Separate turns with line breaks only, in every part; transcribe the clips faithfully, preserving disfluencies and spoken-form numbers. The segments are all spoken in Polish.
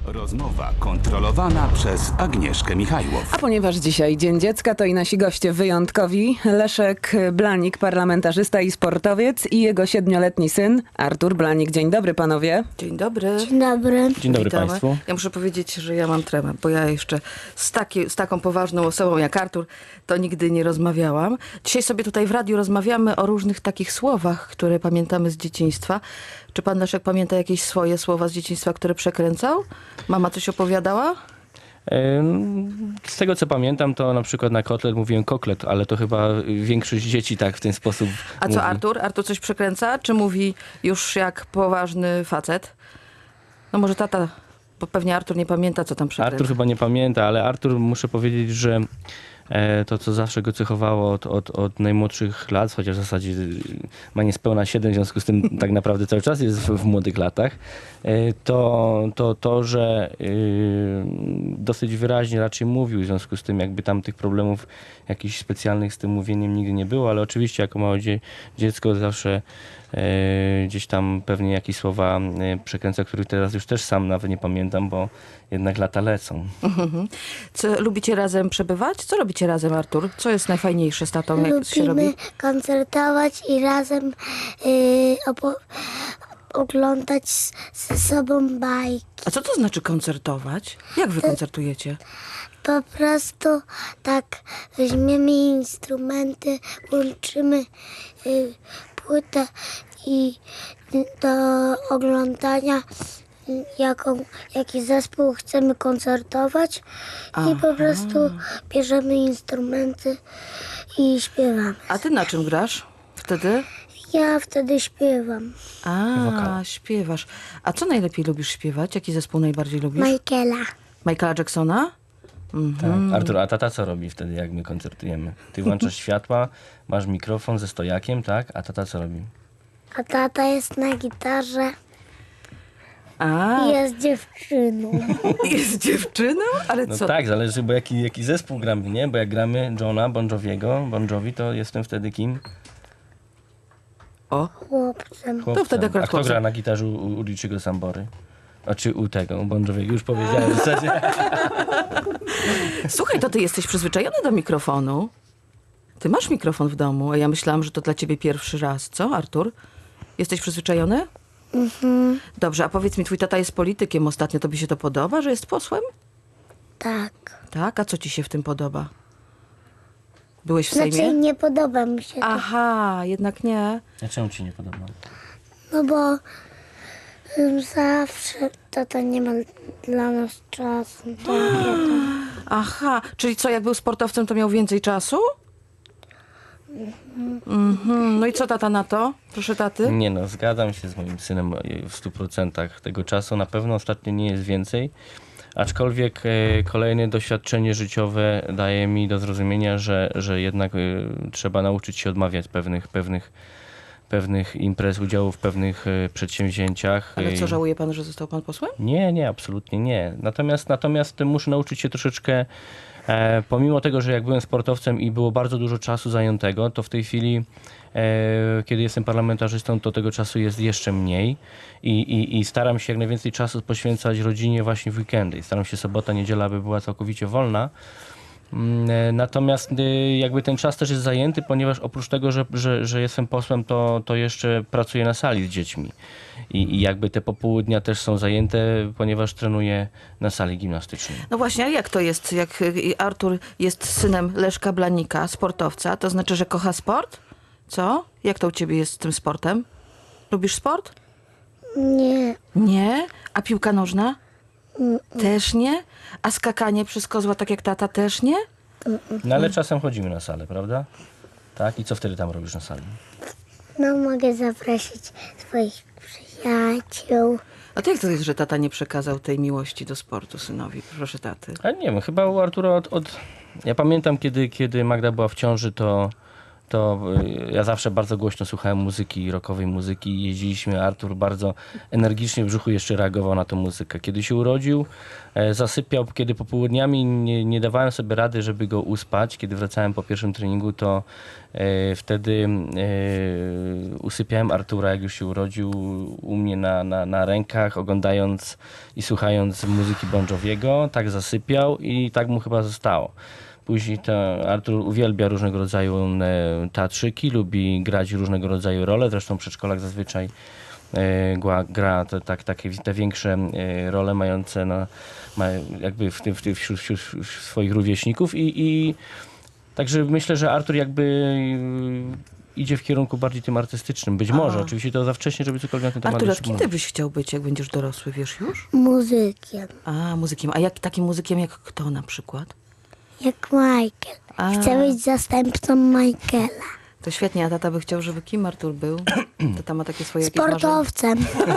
Rozmowa kontrolowana przez Agnieszkę Michajłow.
A ponieważ dzisiaj Dzień Dziecka, to i nasi goście wyjątkowi. Leszek Blanik, parlamentarzysta i sportowiec, i jego siedmioletni syn Artur Blanik. Dzień dobry, panowie.
Dzień dobry.
Dzień dobry.
Dzień dobry
Witamy.
Państwu.
Ja muszę powiedzieć, że ja mam tremę, bo ja jeszcze z, taki, z taką poważną osobą jak Artur to nigdy nie rozmawiałam. Dzisiaj sobie tutaj w radiu rozmawiamy o różnych takich słowach, które pamiętamy z dzieciństwa. Czy pan Leszek pamięta jakieś swoje słowa z dzieciństwa, które przekręcał? Mama coś opowiadała?
Ym, Z tego co pamiętam, to na przykład na kotlet mówiłem koklet, ale to chyba większość dzieci tak w ten sposób
A co
mówi.
Artur? Artur coś przekręca? Czy mówi już jak poważny facet? No może tata, bo pewnie Artur nie pamięta, co tam przekręca.
Artur chyba nie pamięta, ale Artur, muszę powiedzieć, że e, to, co zawsze go cechowało od, od, od najmłodszych lat, chociaż w zasadzie ma niespełna siedem, w związku z tym tak naprawdę cały czas jest w, w młodych latach, e, to, to to, że e, dosyć wyraźnie raczej mówił, w związku z tym jakby tam tych problemów jakichś specjalnych z tym mówieniem nigdy nie było, ale oczywiście jako małe dzie, dziecko zawsze e, gdzieś tam pewnie jakieś słowa e, przekręca, których teraz już też sam nawet nie pamiętam, bo jednak lata lecą.
Mhm. Co, lubicie razem przebywać? Co robicie razem, Artur? Co jest najfajniejsze z tatą, jak się robi?
Lubimy koncertować i razem yy, opo- oglądać z, ze sobą bajki.
A co to znaczy koncertować? Jak wy koncertujecie?
Po prostu tak weźmiemy instrumenty, łączymy yy, płytę i do oglądania y, jaką, jaki zespół chcemy koncertować i po prostu bierzemy instrumenty i śpiewamy.
A ty na czym grasz wtedy?
Ja wtedy śpiewam
A, śpiewasz. A co najlepiej lubisz śpiewać? Jaki zespół najbardziej lubisz?
Michaela.
Michaela Jacksona?
Tak. Artur, a tata co robi wtedy, jak my koncertujemy? Ty włączasz światła, masz mikrofon ze stojakiem, tak? A tata co robi?
A tata jest na gitarze
A,
i jest dziewczyną.
jest dziewczyną? Ale
No
co?
tak, zależy, bo jaki, jaki zespół gramy, nie? Bo jak gramy Johna Bon Joviego, Bon Jovi, to jestem wtedy kim?
O,
Chłopcem.
Chłopcem.
wtedy akurat
A kto
chłopcem.
gra na gitarze u, u Richiego Sambory? A czy u tego, u Bon Joviego? Już powiedziałem w zasadzie.
Słuchaj, to ty jesteś przyzwyczajony do mikrofonu. Ty masz mikrofon w domu, a ja myślałam, że to dla ciebie pierwszy raz. Co, Artur? Jesteś przyzwyczajony?
Mhm.
Dobrze, a powiedz mi, twój tata jest politykiem ostatnio. Tobie się to podoba, że jest posłem?
Tak.
Tak? A co ci się w tym podoba? Byłeś w
Znaczy
Sejmie?
nie podoba mi się to.
Aha, jednak nie.
A czemu ci nie podoba?
No bo ym, zawsze tata nie ma dla nas czasu. Takie tam.
Aha, czyli co, jak był sportowcem, to miał więcej czasu? Mhm. No i co tata na to? Proszę taty.
Nie no, zgadzam się z moim synem w stu procentach tego czasu. Na pewno ostatnio nie jest więcej. Aczkolwiek e, kolejne doświadczenie życiowe daje mi do zrozumienia, że, że jednak e, trzeba nauczyć się odmawiać pewnych, pewnych, pewnych imprez, udziału w pewnych e, przedsięwzięciach.
Ale co,
E,
żałuje pan, że został pan posłem?
Nie, nie, absolutnie nie. Natomiast, natomiast muszę nauczyć się troszeczkę, e, pomimo tego, że jak byłem sportowcem i było bardzo dużo czasu zajętego, to w tej chwili, e, kiedy jestem parlamentarzystą, to tego czasu jest jeszcze mniej i, i, i staram się jak najwięcej czasu poświęcać rodzinie właśnie w weekendy. I staram się sobota, niedziela, aby była całkowicie wolna. Mm, e, Natomiast e, jakby ten czas też jest zajęty, ponieważ oprócz tego, że, że, że jestem posłem, to, to jeszcze pracuję na sali z dziećmi. I, I jakby te popołudnia też są zajęte, ponieważ trenuję na sali gimnastycznej.
No właśnie, a jak to jest, jak y, Artur jest synem Leszka Blanika, sportowca, to znaczy, że kocha sport? Co? Jak to u ciebie jest z tym sportem? Lubisz sport?
Nie.
Nie? A piłka nożna? Też nie? A skakanie przez kozła tak jak tata też nie?
No ale czasem chodzimy na salę, prawda? Tak? I co wtedy tam robisz na sali?
No mogę zaprosić swoich przyjaciół.
A to jak to jest, że tata nie przekazał tej miłości do sportu synowi? Proszę taty.
A nie wiem, chyba u Artura od... od... Ja pamiętam, kiedy, kiedy Magda była w ciąży, to, to y, ja zawsze bardzo głośno słuchałem muzyki, rockowej muzyki. Jeździliśmy, Artur bardzo energicznie w brzuchu jeszcze reagował na tę muzykę. Kiedy się urodził, e, zasypiał, kiedy popołudniami nie, nie dawałem sobie rady, żeby go uspać. Kiedy wracałem po pierwszym treningu, to e, wtedy e, usypiałem Artura, jak już się urodził, u mnie na, na, na rękach, oglądając i słuchając muzyki Bon Joviego. Tak zasypiał i tak mu chyba zostało. Później to Artur uwielbia różnego rodzaju e, teatrzyki, lubi grać różnego rodzaju role. Zresztą w przedszkolach zazwyczaj e, gra, gra te, tak, takie te większe e, role mające na, ma, jakby w tym, w tym, wśród, wśród swoich rówieśników. I, i także myślę, że Artur jakby e, idzie w kierunku bardziej tym artystycznym. Być może.
A.
Oczywiście to za wcześnie, żeby cokolwiek na ten temat
Artur, a
jeszcze
kim
mówić.
ty byś chciał być, jak będziesz dorosły, wiesz już?
Muzykiem.
A, muzykiem. A jak, takim muzykiem jak kto na przykład?
Jak Michael.
A.
Chcę być zastępcą Michaela.
To świetnie, a tata by chciał, żeby kim Artur był? Tata ma takie swoje jakieś marzenia.
Sportowcem.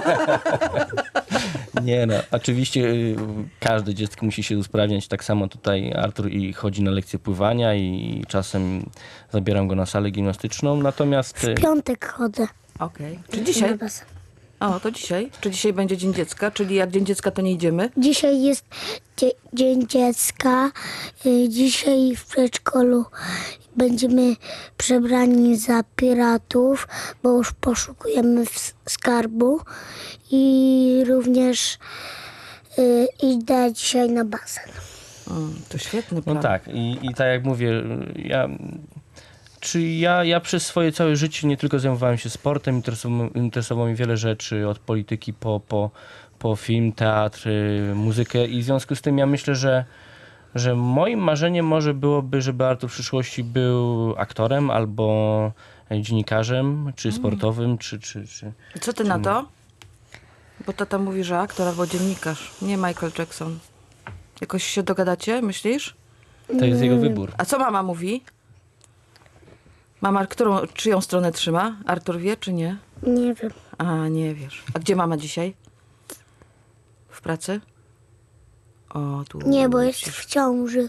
Nie no, oczywiście y, każde dziecko musi się usprawniać. Tak samo tutaj Artur i chodzi na lekcje pływania i czasem zabieram go na salę gimnastyczną. Natomiast y,
W piątek chodzę.
Okej. Czy dzisiaj?
Na basen.
O, to dzisiaj. Czy dzisiaj będzie Dzień Dziecka? Czyli jak Dzień Dziecka, to nie idziemy?
Dzisiaj jest dzie- Dzień Dziecka. Y, Dzisiaj w przedszkolu będziemy przebrani za piratów, bo już poszukujemy w- skarbu. I również y, idę dzisiaj na basen.
Mm, to świetny plan.
no tak, i, i tak jak mówię, y, ja, czy ja, ja przez swoje całe życie nie tylko zajmowałem się sportem, interesowało, interesowało mi wiele rzeczy, od polityki po, po, po film, teatr, y, muzykę i w związku z tym ja myślę, że że moim marzeniem może byłoby, żeby Artur w przyszłości był aktorem albo dziennikarzem, czy sportowym, czy... czy, czy...
Co ty na to? Bo tata mówi, że aktor albo dziennikarz. Nie Michael Jackson. Jakoś się dogadacie, myślisz?
To jest jego wybór.
A co mama mówi? Mama, którą, czyją stronę trzyma? Artur wie, czy nie?
Nie wiem.
A, nie wiesz. A gdzie mama dzisiaj? W pracy? O, tu.
Nie, bo jest w ciąży.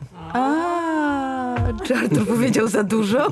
A, czy Artur powiedział za dużo?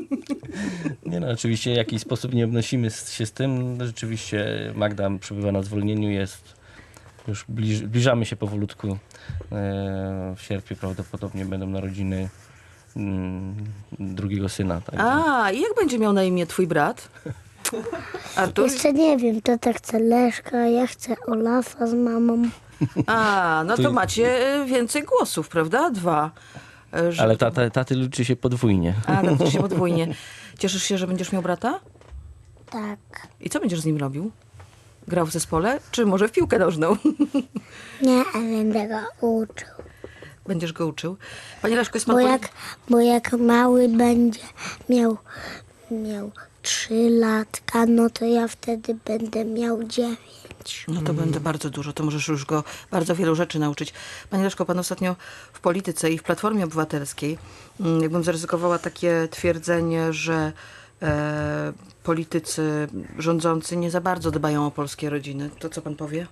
Nie no, oczywiście w jakiś sposób nie obnosimy się z tym. Rzeczywiście Magda przebywa na zwolnieniu, jest już bliż, zbliżamy się powolutku. E, w sierpniu prawdopodobnie będą narodziny mm, drugiego syna. Także.
A, i jak będzie miał na imię twój brat? Artur?
Jeszcze nie wiem, tata chce Leszka, ja chcę Olafa z mamą.
A, no to
Tu-
macie y, więcej głosów, prawda? Dwa. Y, że-
Ale tata, taty liczy się podwójnie.
A, no się podwójnie. Cieszysz się, że będziesz miał brata?
Tak.
I co będziesz z nim robił? Grał w zespole? Czy może w piłkę nożną?
Nie, a będę go uczył.
Będziesz go uczył. Panie Leszko, jest pan...
Bo
poli-
jak, bo jak mały będzie miał, miał trzy latka, no to ja wtedy będę miał dziewięć.
No to będę bardzo dużo, to możesz już go bardzo wielu rzeczy nauczyć. Panie Leszko, pan ostatnio w polityce i w Platformie Obywatelskiej, mm, jakbym zaryzykowała takie twierdzenie, że e, politycy rządzący nie za bardzo dbają o polskie rodziny. To co pan powie?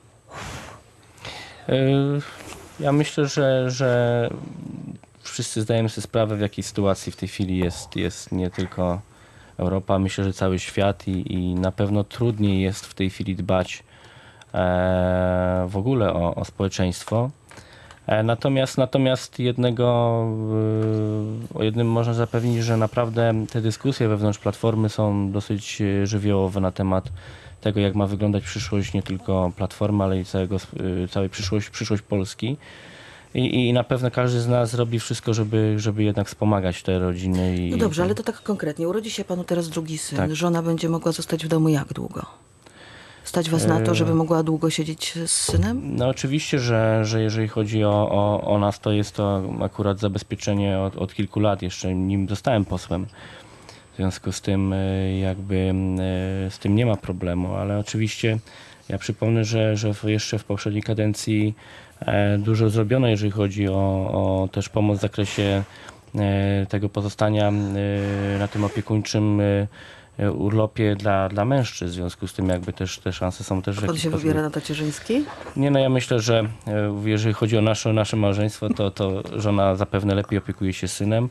E, Ja myślę, że, że wszyscy zdajemy sobie sprawę, w jakiej sytuacji w tej chwili jest, jest nie tylko Europa, myślę, że cały świat i, i na pewno trudniej jest w tej chwili dbać e, w ogóle o, o społeczeństwo. E, natomiast, natomiast jednego, e, o jednym można zapewnić, że naprawdę te dyskusje wewnątrz Platformy są dosyć e, żywiołowe na temat tego, jak ma wyglądać przyszłość nie tylko Platformy, ale i całego, y, całej przyszłość, przyszłość Polski. I, I na pewno każdy z nas robi wszystko, żeby, żeby jednak wspomagać te rodziny. I,
No dobrze, ale to tak konkretnie. Urodzi się panu teraz drugi syn.
Tak.
Żona będzie mogła zostać w domu jak długo? Stać was na to, żeby mogła długo siedzieć z synem?
No oczywiście, że, że jeżeli chodzi o, o, o nas, to jest to akurat zabezpieczenie od, od kilku lat. Jeszcze nim zostałem posłem. W związku z tym y, jakby y, z tym nie ma problemu, ale oczywiście ja przypomnę, że, że w- jeszcze w poprzedniej kadencji e, dużo zrobiono, jeżeli chodzi o, o też pomoc w zakresie e, tego pozostania e, na tym opiekuńczym e, e, urlopie dla, dla mężczyzn. W związku z tym jakby też te szanse są też w
Pan
jakiś
się
sposób-
wybiera na tacierzyński?
Nie, no ja myślę, że e, jeżeli chodzi o nasze, nasze małżeństwo, to, to żona zapewne lepiej opiekuje się synem,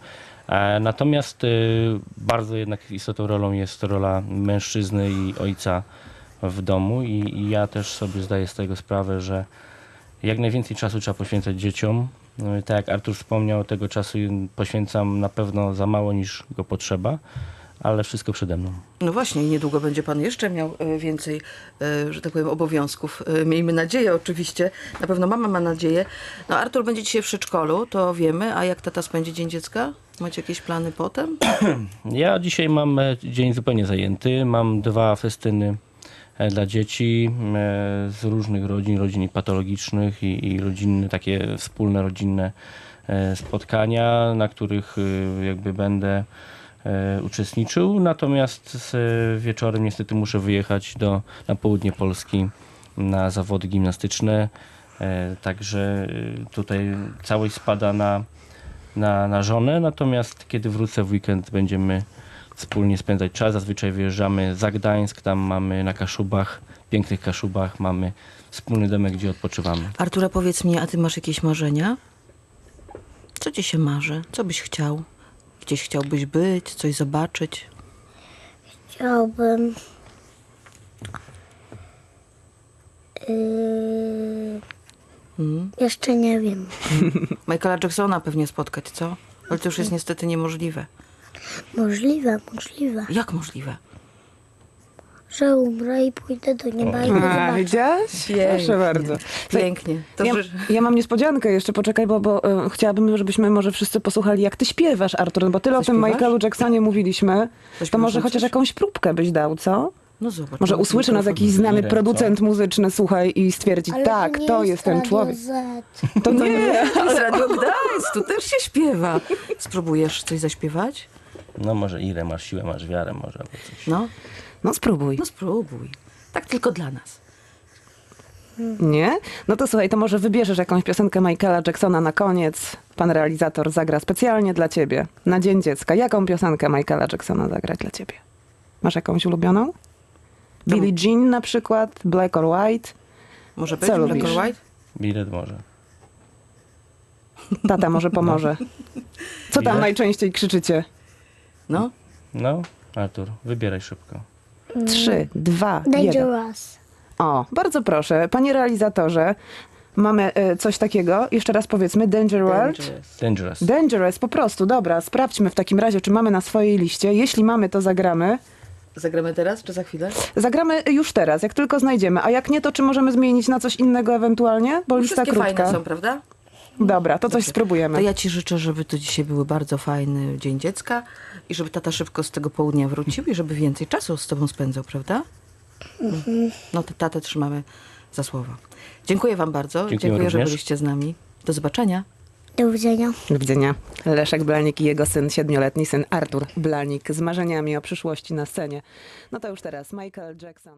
E, Natomiast y, bardzo jednak istotną rolą jest rola mężczyzny i ojca w domu i, i ja też sobie zdaję z tego sprawę, że jak najwięcej czasu trzeba poświęcać dzieciom. No i tak jak Artur wspomniał, tego czasu poświęcam na pewno za mało niż go potrzeba, ale wszystko przede mną.
No właśnie, i niedługo będzie pan jeszcze miał e, więcej, e, że tak powiem, obowiązków. E, Miejmy nadzieję oczywiście. Na pewno mama ma nadzieję. No Artur będzie dzisiaj w przedszkolu, to wiemy. A jak tata spędzi Dzień Dziecka? Macie jakieś plany potem?
Ja dzisiaj mam e, dzień zupełnie zajęty. Mam dwa festyny e, dla dzieci e, z różnych rodzin, rodzin patologicznych i, i rodzinne, takie wspólne rodzinne e, spotkania, na których e, jakby będę e, uczestniczył. Natomiast z e, wieczorem niestety muszę wyjechać do, na południe Polski na zawody gimnastyczne. E, Także e, tutaj całość spada na na, na żonę, natomiast kiedy wrócę w weekend będziemy wspólnie spędzać czas. Zazwyczaj wyjeżdżamy za Gdańsk, tam mamy na Kaszubach, pięknych Kaszubach, mamy wspólny domek, gdzie odpoczywamy.
Artura, powiedz mi, a ty masz jakieś marzenia? Co ci się marzy? Co byś chciał? Gdzieś chciałbyś być, coś zobaczyć?
Chciałbym yy,
Hmm?
jeszcze nie wiem.
Michaela Jacksona pewnie spotkać, co? Ale to już jest niestety niemożliwe.
Możliwe, możliwe,
Jak możliwe?
że umrę i pójdę do nieba i go
A,
zobaczę.
widziałaś? Proszę bardzo.
Pięknie. To
Ja,
ży-
ja mam niespodziankę jeszcze, poczekaj, bo, bo e, chciałabym, żebyśmy może wszyscy posłuchali, jak ty śpiewasz, Artur, bo tyle o tym
Zaśpiewasz?
Michaelu Jacksonie mówiliśmy, to
Zaśpiewasz
może
nam
chociaż
coś?
jakąś próbkę byś dał, co?
No zobacz.
Może
mam
usłyszy nas
mikrofon.
jakiś znany
Irem,
producent muzyczny, słuchaj, i stwierdzi,
Ale
tak,
nie
to jest ten
Radio
człowiek.
Z.
To nie.
To jest Radio Gdańsk, tu też się śpiewa. Spróbujesz coś zaśpiewać?
No może ile masz siłę, masz wiarę, może albo coś.
No,
No spróbuj.
no spróbuj. Tak tylko dla nas.
Nie? No to słuchaj, to może wybierzesz jakąś piosenkę Michaela Jacksona na koniec. Pan realizator zagra specjalnie dla ciebie, na Dzień Dziecka. Jaką piosenkę Michaela Jacksona zagrać dla ciebie? Masz jakąś ulubioną? Billie Jean na przykład? Black or White?
Może być
Co
Black
lubisz?
or White?
Bilet może.
Tata może pomoże. Co tam
Ile?
najczęściej krzyczycie?
No,
No, Artur, wybieraj szybko.
Trzy, dwa, jeden.
Dangerous.
O, bardzo proszę. Panie realizatorze, mamy e, coś takiego. Jeszcze raz powiedzmy. Danger World.
Dangerous.
Dangerous.
Dangerous, po prostu. Dobra, sprawdźmy w takim razie, czy mamy na swojej liście. Jeśli mamy, to zagramy.
Zagramy teraz, czy za chwilę?
Zagramy już teraz, jak tylko znajdziemy. A jak nie, to czy możemy zmienić na coś innego ewentualnie? Bo lista
Wszystkie
krótka.
fajne są, prawda?
Dobra, to coś spróbujemy.
To ja ci życzę, żeby to dzisiaj był bardzo fajny Dzień Dziecka i żeby tata szybko z tego południa wrócił i żeby więcej czasu z tobą spędzał, prawda? No to tatę trzymamy za słowo. Dziękuję wam bardzo.
Dziękuję
Dziękuję, że
również.
byliście z nami. Do zobaczenia.
Do widzenia.
Do widzenia. Leszek Blanik i jego syn, siedmioletni syn Artur Blanik z marzeniami o przyszłości na scenie. No to już teraz Michael Jackson.